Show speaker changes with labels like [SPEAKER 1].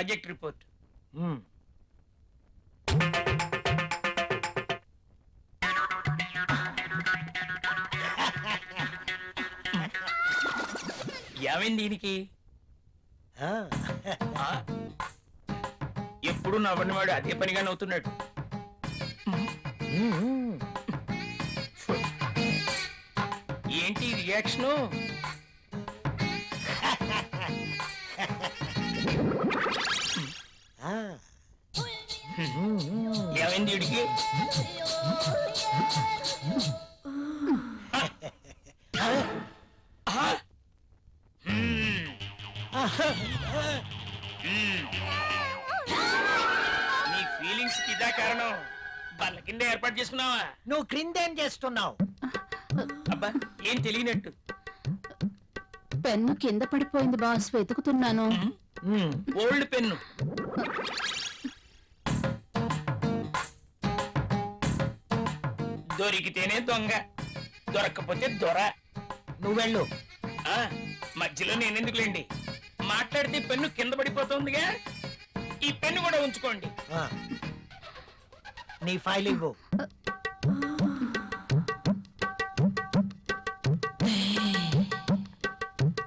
[SPEAKER 1] Project report. ఏమైంది దీనికి? ఎప్పుడు నవ్వని వాడు అదే పనిగా నవ్వుతున్నాడు. ఏంటి రియాక్షను? ఏమైంది వీడికి? నీ ఫీలింగ్స్ ఇదా కారణం? బల్ల కింద ఏర్పాటు చేసుకున్నావా?
[SPEAKER 2] నువ్వు క్రిందేం చేస్తున్నావు?
[SPEAKER 1] అబ్బా ఏం తెలియనట్టు.
[SPEAKER 3] పెన్ను కింద పడిపోయింది బాస్, వెతుకుతున్నాను.
[SPEAKER 1] Old pen. దొరికితేనే దొంగ, దొరక్కపోతే దొర.
[SPEAKER 2] నువ్వెళ్ళు.
[SPEAKER 1] మధ్యలో నేనెందుకులేండి, మాట్లాడితే పెన్ను కింద పడిపోతుందిగా. ఈ పెన్ను కూడా ఉంచుకోండి.
[SPEAKER 2] నీ ఫైల్ ఇవ్వు.